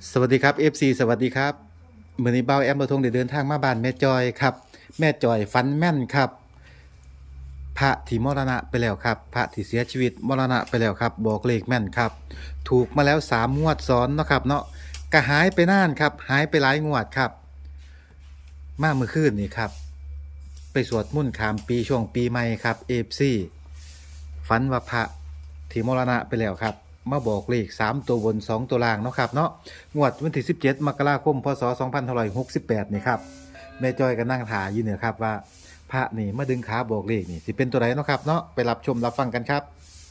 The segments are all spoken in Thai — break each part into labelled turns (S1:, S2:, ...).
S1: สวัสดีครับ FC สวัสดีครับมื้อนี้เบาแอมเราทงได้เดินทางมาบ้านแม่จอยครับแม่จอยฝันแม่นครับพระที่มรณะไปแล้วครับพระที่เสียชีวิตมรณะไปแล้วครับบอกเลขแม่นครับถูกมาแล้ว3งวดซ้อนเนาะครับเนาะก็หายไปนานครับหายไปหลายงวดครับมาเมื่อคืนนี่ครับไปสวดมนต์ข้ามปีช่วงปีใหม่ครับ FC ฝันว่าพระที่มรณะไปแล้วครับมาบอกเลข3ตัวบน2ตัวล่างเนาะครับเนาะงวดวันที่17มกราคมพศ2568นี่ครับแม่จอยก็นั่งถ่ายอยู่เนี่ยครับว่าพระนี่มาดึงขาบอกเลขนี่สิเป็นตัวไหนเนาะครับเนาะไปรับชมรับฟังกันครับ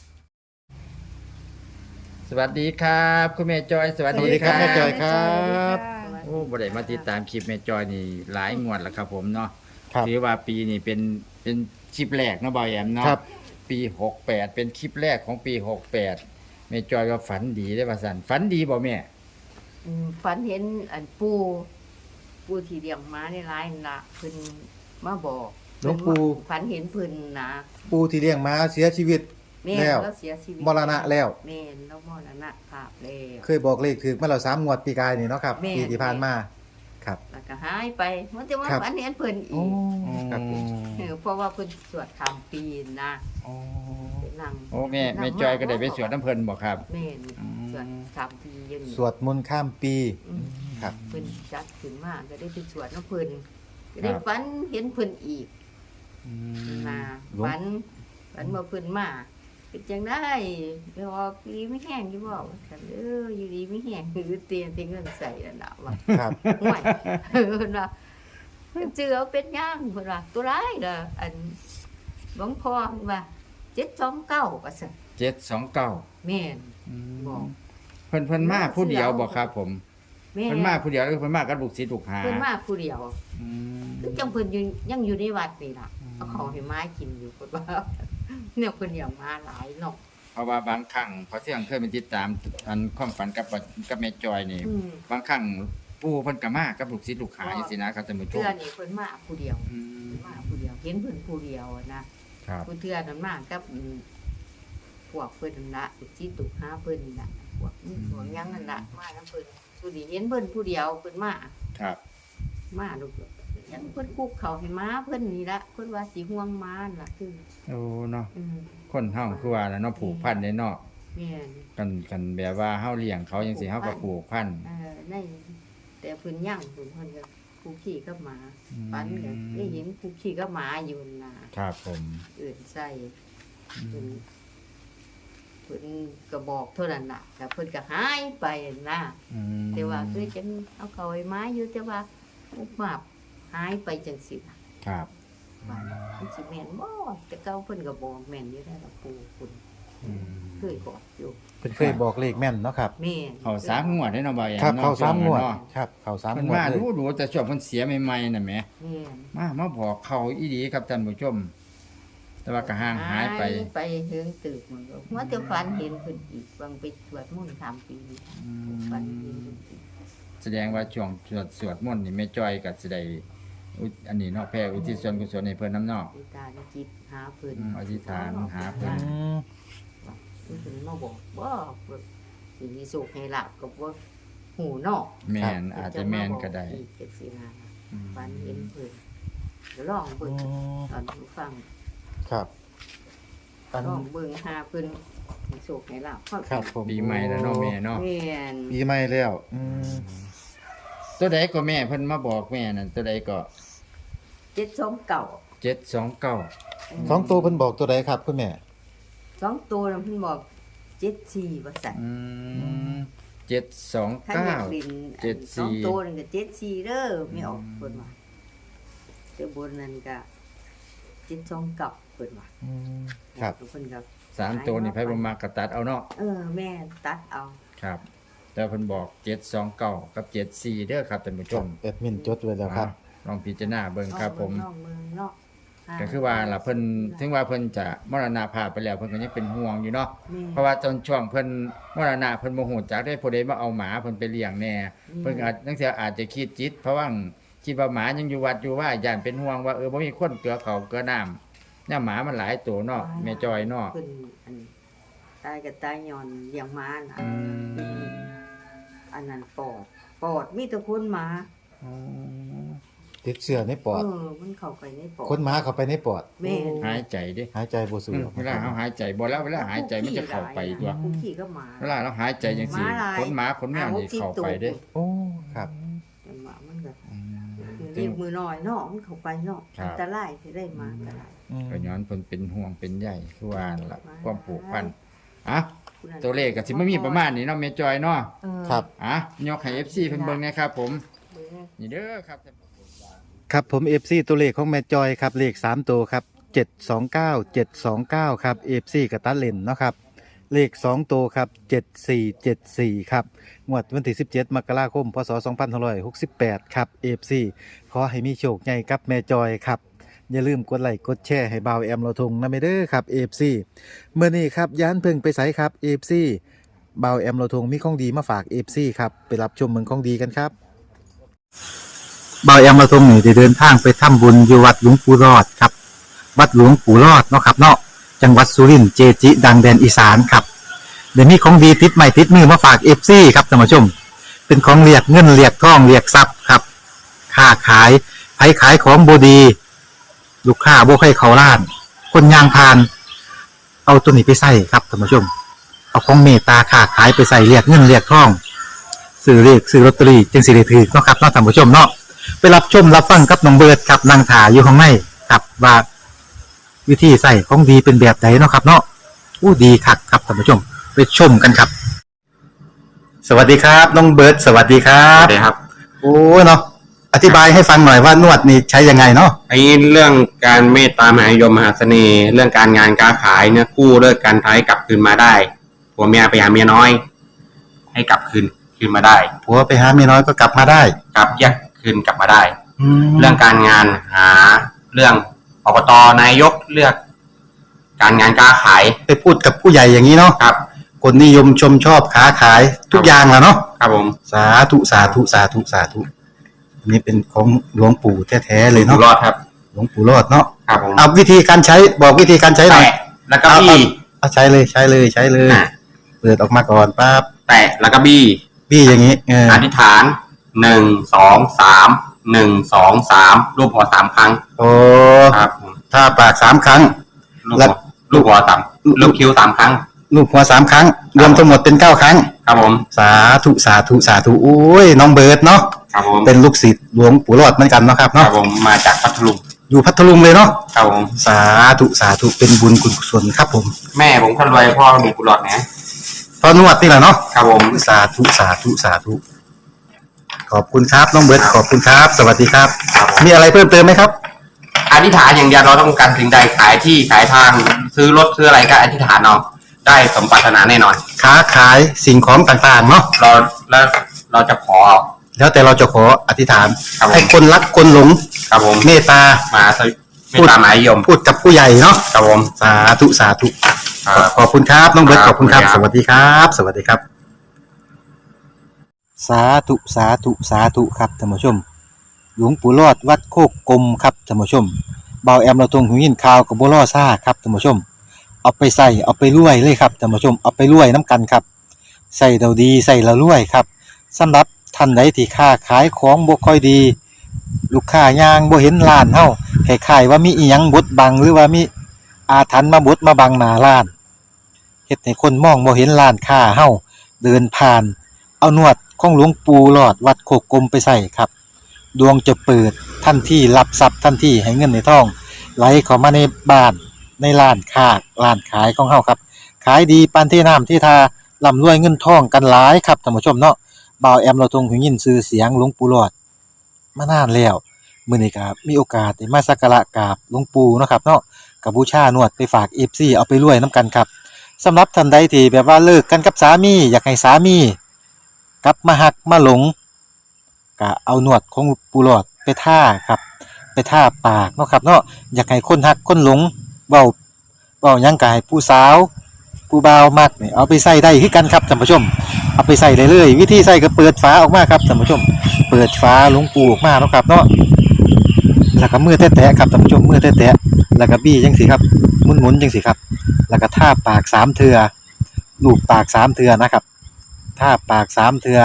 S2: สวัสดีครับคุณแม่จอยสวัส
S1: สวั
S2: ดี
S1: สดี
S2: ค
S1: ครั
S2: รั
S1: บบ แม่จอยครับ
S2: โอ้บ่ได้มาติดตามคลิปแม่จอยนี่หลายงวดแล้วครับผมเนาะ
S1: ครับ
S2: ถือว่าปีนี้เป็นคลิปแรกเนาะบอยแอมเนาะ
S1: ครับ
S2: ปี68เป็นคลิปแรกของปี68แม่จอยก็ฝันดีได้ว่าซั่นฝันดีบ่แม่
S3: ฝันเห็นอันปูที่เลี้ยงม้าในร้ายนั่นล่ะเพิ่นมาบอก
S1: หลวงปู่
S3: ฝันเห็นเพิ่นนะ
S1: ปูที่เลี้ยงม้าเสียชีวิต
S3: แม่
S1: แล้ว
S3: แล้วเสียชีวิต
S1: มรณะแล้ว
S3: แม่แล้วมรณะภาพแล้ว
S1: เคยบอกเลขถึกมาแล้ว3งวดปีกายนี่เนาะครับ
S3: แม่
S1: ปีที่ผ่านมาครับ
S3: แล้วก็หายไปมันจะว่า
S1: ครับ
S3: ฝันเห็นเพิ่นอี
S1: โอ้
S3: ก
S1: ครับผม
S3: เพราะว่าเพิ่นสวดคำปีนะ
S1: โอ้
S3: ไปนั่ง
S2: โอ้แม่จอยก็ได้ไปสวดน้ำเพิ่นบ่ครับ
S3: แม่น
S2: อืม
S3: สวดคำปีอยังนี้
S1: สวดมนต์ข้ามปี
S3: อืม
S1: ครับ
S3: เพิ่นจัดขึ้นมาก็ได้ไปสวดน้ำเพิ่นก็ได้ฝันเห็นเพิ่นอีก นา
S1: หลวง
S3: ฝันมาเพิ่นมาเป็นจังได้ไปออกดีไม่แห้งอยู่บ่ฉันอยู่ดีไม่แห้งคือเตียนเงินใส่นั่นน่ะว่า
S1: ครับ
S3: ห่วยเพิ่นว่าเจือเป็นย่างเพิ่นว่าตัวร้ายล่ะอันหลวงพ่อเพิ่นว่า729ว่าซั่น
S2: 729
S3: แม่น บอก
S2: เพิ่นมาผู้เดียวบ่ครับผม
S3: แม่
S2: เพิ่นมาผู้เดียวหรือเพิ่นมากับลูกศิษย์ลูกหา
S3: เพิ่นมาผู้เดียว
S2: อืม
S3: คือจังเพิ่นอยู่ยังอยู่ในวัดนี่ล่ะเอาของให้ม้ากินอยู่เพิ่นว่าเนี่ยเพิ่นอยากมาหลายเนาะ
S2: เพราะว่าบางครั้งพอเที่ยงเคยไปติดตามอันความฝันกับแม่จอยนี่
S3: อืม
S2: บางครั้งปู่เพิ่นก็มากับลูกศิษย์ลูกหาจังซี่นะครับท่านผู้ช
S3: เทื่
S2: ม
S3: อนี่เพิ่นมาผู้เดียว
S2: อืม
S3: มาผู้เดียวเห็นเพิ่นผู้เดียวอะนะครับ ผู้เทื่อนั้นมากับพวกเพิ่นนั่นละสิตุกหาเพิ่นนี่ล่ะพวกนี้พวกหยังนั่นละมานํเพิ่นผู้นี้เห็นเพิ่นผู้เดียวเพิ่นมา
S2: ครับ
S3: มาลูกยังเพิ่นคุกเขาให้ม้าเพิ่นนี่ละเพิ่นว่าสิห่วงม้านั่นล่ะคือ
S2: โอ้เนาะ
S3: อืม
S2: คนเฮาคือว่าน่ะเนาะผูกพันได้เนาะ
S3: แม่น
S2: กันแบบว่าเฮาเลี้ยงเขาจังซี่เฮาก็ผูกพัน
S3: ในแต่เพิ่นย่างเพิ่นก็คุกขี้กับหมา
S2: อืม
S3: ปันก็ได้เห็นคุกขี้กับหมาอยู่น่ะ
S2: ครับผม
S3: อื่นใส่
S2: อื
S3: เพิ่น
S2: ม
S3: เพิ่นก็บอกเท่านั้นน่ะแต่เพิ่นก็หายไปนะ
S2: อืม
S3: แต่ว่าคือจังเอาเขาไอ้ไม้อยู่แต่ว่าอุบมาบหายไปจังสิน่ะ
S2: ครับ
S3: ว่ามันสิแม่นบ่แต่เก่าเพิ่นก็บอกแม่นอยู่ได้ล่ะปู่คุณ
S2: อืม
S3: เคยบอกอยู่
S1: เพิ่นเคยบอกเลขแม่นเนาะครับ
S3: แม่น
S2: เขา3งวดได้เนาะบ่าวแอม
S1: ครับ
S2: นะ
S1: เขา3งวด
S2: เนาะ
S1: ครับเขา3
S2: เพิ่น
S1: งวด
S2: มา
S1: เลย
S2: ดูแต่ช่วงเพิ่นเสียใหม่ๆน่ะแหม
S3: แม่น
S2: มาบอกเขาอีดีครับท่านผู้ชม แต่ว่าก็ห่างหายไป
S3: ไปถึงตึกมันก็ว่าแต่ฝันเห็นเพิ่นอีกบางไปสวดมนต์3ปีนี้ฝันเห็นเพิ่นอีก
S2: แสดงว่าช่วงสวดมนต์นี่แม่จ้อยก็สิได้อันนี้เนาะแผ่อุทิศส่วนกุศลให้เพิ่นน้ำเนาะ
S3: อุตาจิตหาเพิ่น
S2: อธิษฐานหาเพิ่
S1: อื
S2: น
S1: ม
S3: เพิ่นมาบอกว่าสิมีสุขให้ลาบก็บ่หูเนาะ
S2: แม่นอาจจะแม่นก็ได้
S3: อีกจังซี่นะ
S2: อืม
S3: ฝันเห็นเพิ่นเดี๋ยวลองเบิ่ง
S1: อืม
S3: ตอนผู้ฟัง
S1: ครับอัน
S3: ลองเบิ่งหาเพิ่นมีสุขให้ลาบ
S1: ครับผม
S2: ปีใหม่แล้วเนาะแม่เนาะ
S3: แม่น
S1: ปีใหม่แล้ว
S2: ตัวใดก็แม่เพิ่นมาบอกแม่นั่นตัวใดก็
S3: 729
S2: 729
S1: สองตัวเพิ่นบอกตัวใดครับคุณแม่
S3: สองตัวนั้นเพิ่นบอก74ว่าซั่น
S2: อืม
S3: คันอยาก
S2: 729
S3: ลิน
S2: 74
S3: สองตัวนั่นก็74เด้อไม่ออกเพิ่นว่าแต่บนนั้นก็729เพิ่นว่า
S1: อืมครับ
S3: เพิ่นก็
S2: 3ตัวนี่ไผบ่มักก็ตัดเอาเนาะ
S3: แม่ตัดเอา
S2: ครับ แต่เพิ่นบอก729กับ74เด้อครับท่านผู้ชม
S1: แอดมินจดไว้แล้วครับ
S2: ลองพิจารณาเบิ่งครับผม
S3: น้องเมืองเนาะ
S2: ก็คือว่าล่ะเพิ่นถึงว่าเพิ่นจะมรณภาพไปแล้วเพิ่นก็ยังเป็นห่วงอยู่เนาะ
S3: แม่
S2: เพราะว่าตอนช่วงเพิ่นมรณะเพิ่นบ่ฮู้จักได้ผู้ใดมาเอาหมาเพิ่นไปเลี้ยงแน่เพิ่นก็อาจจังซี่อาจจะคิดจิตเพราะว่าคิดว่าหมายังอยู่วัดอยู่ว่าย่านเป็นห่วงว่าบ่มีคนเกลือเขาวเกลือน้ำเนี่ยหมามันหลายตัวเนาะแม่จอยเนาะ
S3: เพิ่นตายก็ตายย้อนเลี้ยงม้าน่ะ
S2: อืม
S3: อันนั้นปอดปอดมีแต่คนหมา
S1: ติดเชื้อในปอด
S3: มันเข้าไปในปอด
S1: คนหมาเข้าไปในปอด
S3: แม่น
S2: หายใจดิ
S1: หายใจบ่สู
S2: อืม
S1: ออก
S2: เวลาเฮาหายใจบ่แล้วเวลาหายใจมันจะเข้าไปตัว
S3: คุกขี้ก็หมา
S2: เวลาเราหายใจจังซี่
S3: หมาหลาย
S2: ขนหมาขนแมวนี่เข้าไปเด้
S1: โอ้ครับ
S3: จังหวะมันก็
S2: อืม
S3: เรียกมือน้อยเนาะมันเข้าไปเนาะ
S2: ครับ
S3: อันตรายสิได้มาอันตราย
S2: ก็ย้อนเพิ่นเป็นห่วงเป็นใยคือว่านั่นล่ะ
S3: มา
S2: ความผูกพันอ่ะ
S3: ผู้นั้น
S2: ตัวเลขก็สิบ่มีประมาณนี้เนาะแม่จอยเนาะ
S1: ครับ
S2: อ่ะยกให้ FC เพิ่นเบิ่งแหนะครับผม
S3: เบิ่ง
S2: นี่เด้อครับ
S1: ครับผม FC ตัวเลขของแม่จอยครับเลข3ตัวครับ729 729ครับ FC กับตัดเลนเนาะครับเลข2ตัวครับ7474ครับงวดวันที่17มกราคมพศ2568ครับ FC ขอให้มีโชคใหญ่กับแม่จอยครับอย่าลืมกดไลค์กดแชร์ให้บ่าวแอมเราทงนะเมเด้อครับ FC เมื่อนี้ครับย้านเพิ่งไปไสครับ FC บ่าวแอมเราทงมีของดีมาฝาก FC ครับไปรับชมเมืองของดีกันครับ บ่าวแอมมาทรงนี่ได้เดินทางไปทำบุญอยู่วัดหลวงปู่รอดครับ วัดหลวงปู่รอดเนาะครับเนาะจังหวัดสุรินทร์เจจิ ดังแดนอีสานครับเดี๋ยวนี้ของดีติดใหม่ติดมือมาฝากเอฟซีครับท่านผู้ชม เป็นของเรียกเงินเรียกทองเรียกทรัพย์ครับค้าขายไผขายของบดี ลูกค้าบ่ให้เขาล้าน คนยางพาน เอาตัวนี้ไปใส่ครับท่านผู้ชม เอาของเมตตาค้าขายไปใส่เรียกเงินเรียกทองซื้อเรียกซื้อลอตเตอรี่จึงสิได้ถือเนาะครับเนาะท่านผู้ชมเนาะไปรับชมรับฟังกับน้องเบิร์ดครับนางถาอยู่ข้างในครับว่าวิธีใส่ของดีเป็นแบบไหนเนาะครับ เนาะอู้ดีคักครับท่านผู้ชมไปชมกันครับ สวัสดีครับน้องเบิร์ดสวัสดีครั
S4: ครับ บครับ
S1: โอ้เนาะอธิบายให้ฟังหน่อยว่านวดนี่ใช้ยังไงเนาะ
S4: ไอ้เรื่องการเมตตามหานิยมมหาเสน่ห์ เรื่องการงานการขายเนี่ยกู้เลิกการท้ายกลับคืนมาได้ผัวเมียไปหาเมียน้อย ให้กลับคืนมาได้
S1: ผัวไปหาเมียน้อยก็กลับมาได้
S4: กลับแยกคืนกลับมาได้
S1: แล้
S4: เรื่
S1: ว
S4: องการงานหาเรื่องอบตนายกเลือก การงานการขาย
S1: ไปพูดกับผู้ใหญ่อย่างนี้เนาะ
S4: ครับ
S1: คนนิยมชมชอบค้าขายทุกอย่างแหละเนาะ
S4: ครับผม
S1: สาธุสาธุสาธุสาธุอันนี้เป็นของหลวงปู่แท้ๆเลย
S4: อยู่
S1: เนาะ
S4: รอดครับ
S1: หลวงปู่รอดเนาะ
S4: ครับผม
S1: เอาวิธีการใช้บอกวิธีการใช้หน่อย
S4: แตะแล้วก็บี้
S1: เอาใช้เลยใช้เลยใช้เลย
S4: อ่ะ
S1: เปิดออกมาก่อนปั๊บ
S4: แตะแล้วก็บี้
S1: พี่อย่างนี้เออ
S4: อธิษฐาน1 2 3 1 2 3รูปหัวสามครั้ง
S1: โอ้
S4: ครับผม
S1: ถ้าปาก3 ครั้ง
S4: ลูก
S1: แล้
S4: หั
S1: ว
S4: วลูกหัวต่ำลูกคิ้ว3ครั้ง
S1: ลูกหัว3 ครั้ง รวมทั้งหมดเป็น9 ครั้ง
S4: ครับผม
S1: สาธุสาธุสาธุโอ้ยน้องเบิร์ดเนาะ
S4: ครับผม
S1: เป็นลูกศิษย์หลวงปู่รอดเหมือนกันเนาะครับ
S4: ครั
S1: เนาะ
S4: บผมมาจากพัทลุง
S1: อยู่พัทลุงเลยเนาะ
S4: ครับผม
S1: สาธุสาธุเป็นบุญกุศลครับผม
S4: แม่ผมคนรวยพ่อมีกุหลาบนะ
S1: พอนวดนี่แหละเนาะ
S4: ครับผม
S1: สาธุสาธุสาธุขอบคุณครับน้องเบิร์ดขอบคุณครับ สวัสดีครับ
S4: ครับผม
S1: มีอะไรเพิ่มเติมไหมครับ
S4: อธิษฐานอย่างเดียวเราต้องการสิ่งใดขายที่ขายทางซื้อรถซื้ออะไรก็อธิษฐานเอาได้สมปรารถนาแน่นอน
S1: ค้าขายสิ่งของต่างๆเนาะ
S4: เราแล้วเราจะขอ
S1: แล้วแต่เราจะขออธิษฐาน
S4: ครับผม
S1: ให้คนรักคนหลง
S4: ครับผม
S1: เมตตา
S4: มาสวิไม่ตามหมายยม
S1: พูดกับผู้ใหญ่เนาะ
S4: ครับผม
S1: สาธุสาธุ
S4: ครับ
S1: ขอบคุณครับน้องเบิร์ต
S4: ค
S1: ข
S4: รับ
S1: อบคุณครับ
S4: ขอบ
S1: ส
S4: คุณครับ
S1: วัสดีครับ สวัสดีครับ สาธุสาธุสาธุครับท่านผู้ชม หลวงปู่รอดวัดโคกกลมครับท่านผู้ชมเบาแอมเราตรงหูยินข่าวกับบัวล่อซ่าครับท่านผู้ชม เอาไปใส่เอาไปรวยเลยครับท่านผู้ชมเอาไปรวยน้ำกันครับใส่เราดีใส่เรารวยครับสำหรับท่านใดที่ค้าขายของบ่ค่อยดี ลูกค้ายางบ่เห็นร้านเฮาคล้ายๆว่ามีอีหยังบดบังหรือว่ามีอาถรรพ์มาบดมาบังหน้าร้านเฮ็ดให้คนมองบ่เห็นร้านค้าเฮาเดินผ่าน เอานวดของหลวงปู่หลอดวัดโคกกลมไปใส่ครับดวงจะเปิดทันทีรับทรัพย์ทันทีให้เงินในท้องไหลเข้ามาในบ้านในร้านค้าร้านขายของเฮาครับขายดีปานที่น้ำที่ทาร่ำรวยเงินทองกันหลายครับท่านผู้ชมเนาะบ่าวแอมเราทรงหูยินชื่อเสียงหลวงปู่หลอดมานานแล้วมื้อนี้ก็มีโอกาสได้มาสักการะกราบหลวงปู่เนาะครับเนาะก็บูชานวดไปฝาก FC เอาไปรวยนํกันครับสำหรับท่านใดที่แบบว่าเลิกกันกับสามีอยากให้สามีกลับมาหักมาหลงก็เอานวดของปูหลอดไปท่าครับไปท่าปากเนาะครับเนาะอยากให้คนหักคนหลงเว้าหยังก็ให้ผู้สาวผู้บ่าวมักนี่เอาไปใส่ได้คือกันครับท่านผู้ชมเอาไปใส่ได้เลยวิธีใส่ก็เปิดฝาออกมาครับท่านผู้ชมเปิดฝาหลวงปูออกมาเนาะครับเนาะแล้วก็มือแตะๆครับท่านผู้ชมมือแตะๆแล้วก็บี้จังซี่ครับหมุนๆจังซี่ครับแล้วก็ท่าปาก3เทื่อลูบปาก3เทื่อนะครับท่าปาก3เทื่อ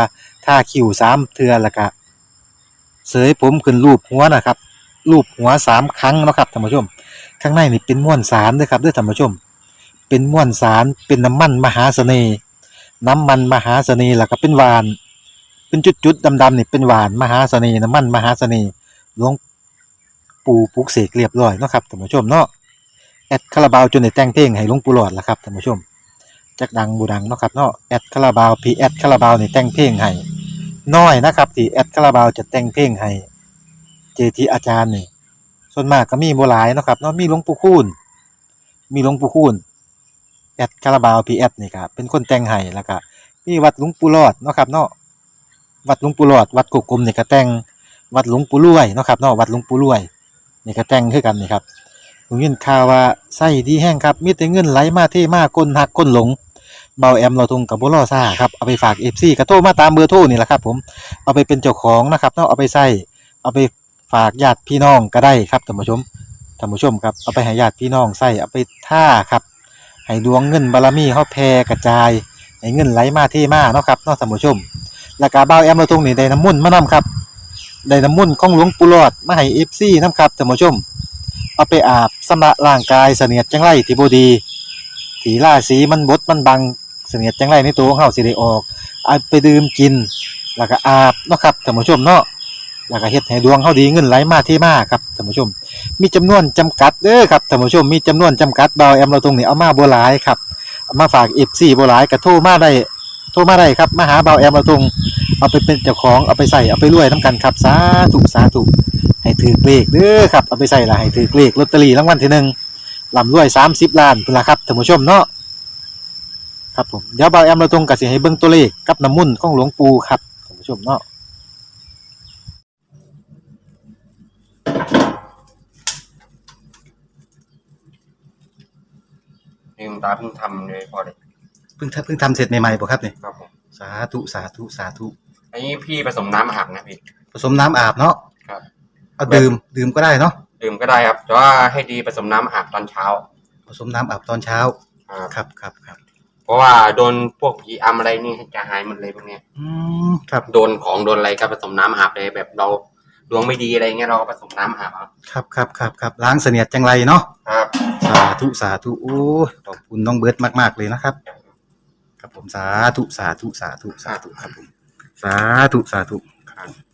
S1: ทาคิ้ว3เทื่อแล้วก็เสยผมขึ้นรูปหัวนะครับรูปหัว3ครั้งเนาะครับท่านผู้ชมข้างในนี่เป็นม้วนสารเด้อครับเด้อท่านผู้ชมเป็นม้วนสารเป็นน้ำมันมหาเสน่ห์น้ำมันมหาเสน่ห์แล้วก็เป็นหวานเป็นจุดๆดำๆนี่เป็นหวานมหาเสน่ห์น้ำมันมหาเสน่ห์หลวงปู่ปลุกเสกเรียบร้อยเนาะครับท่านผู้ชมเนาะแอดคาราบาวจนได้แต่งเพลงให้หลวงปู่หลอดล่ะครับท่านผู้ชมจักดังบ่ดังเนาะครับเนาะแอดคาราบาวพี่แอดคาราบาวนี่แต่งเพลงให้น้อยนะครับที่แอดคาราบาวจะแต่งเพลงให้เจทีอาจารย์นี่ส่วนมากก็มีบ่หลายเนาะครับเนาะมีหลวงปู่คูณแอดคาราบาวพี่แอดนี่ก็เป็นคนแต่งให้แล้วก็มีวัดหลวงปู่หลอดเนาะครับเนาะวัดหลวงปู่หลอดวัดกุกกลมนี่ก็แต่งวัดหลวงปู่รวยเนาะครับเนาะวัดหลวงปู่รวยนี่ก็แต่งคือกันนี่ครับผมยินข่าวว่าไส้ดีแห้งครับมีแต่เงินไหลมาเทมาคนหักคนหลงเบาแอมเราทุงกับบ่รอซ่าครับเอาไปฝาก FC ก็โทรมาตามเบอร์โทรนี่แหละครับผมเอาไปเป็นเจ้าของนะครับเนาะเอาไปใส่เอาไปฝากญาติพี่น้องก็ได้ครับท่านผู้ชมครับเอาไปให้ญาติพี่น้องใส่เอาไปท่าครับให้ดวงเงินบารมีเฮาแผ่กระจายให้เงินไหลมาเทมาเนาะครับเนาะท่านผู้ชมแล้วก็เบาแอมเราทุงนี่ได้น้ำมนต์มานํครับได้น้ำมนต์ของหลวงปู่หลอดมาให้ FC นํครับท่านผู้ชมเอาไปอาบชำระร่างกายเสนียดจังไรที่บ่ดีที่ราศีมันบดมันบังเสนียดจังไรในตัวของเฮาสิได้ออกเอาไปดื่มกินแล้วก็อาบเนาะครับท่านผู้ชมเนาะแล้วก็เฮ็ดให้ดวงเฮาดีเงินไหลมาเทมาครับท่านผู้ชมมีจำนวนจำกัดเด้อครับท่านผู้ชมมีจำนวนจำกัดเบาแอมเราตรงนี้เอามาบ่หลายครับเอามาฝาก FC บ่หลายก็โทรมาได้ครับมาหาเบาแอมเราตรงเอาไปเป็นเจ้าของเอาไปใส่เอาไปรวยนํกันครับสาธุให้ถือเลขเด้อครับเอาไปใส่ละให้ถือเลขลอตเตอรี่รางวัลที่1ร่ำรวย30ล้านพุ่นล่ะครับท่านผู้ชมเนาะครับผมเดี๋ยวเบาแอมเราตรงก็สิให้เบิ่งตัวเลขกับน้ำมนต์ของหลวงปู่ครับท่านผู้ชมเนาะ
S4: นี่คุณตาเพิ่งทำเลยพอเลย
S1: เพิ่งทำเสร็จใหม่ๆป่ะครับเนี่ย
S4: ครับผม
S1: สาธุ
S4: อันนี้พี่ผสมน้ำอาบนะพี่
S1: ผสมน้ำอาบเนาะ
S4: ครับ
S1: เอาดื่มก็ได้เนาะ
S4: ดื่มก็ได้ครับแต่ว่าให้ดีผสมน้ำอาบตอนเช้า
S1: ผสมน้ำอาบตอนเช้า
S4: ครับ
S1: ครับ
S4: เพราะว่าโดนพวกผีอำอะไรนี่จะหายหมดเลยพวกเนี้ย
S1: ครับ
S4: โดนของโดนอะไรก็ผสมน้ำอาบเลยแบบเราดวงไม่ดีอะไรเงี้ยเราก็ผสมน้ำอาบ
S1: ครับล้างเสนียดจังไรเนาะ
S4: ครับ
S1: สาธุโอ้ขอบคุณน้องเบิร์ตมากๆเลยนะครับครับผมสาธุครับผมสาธุครับ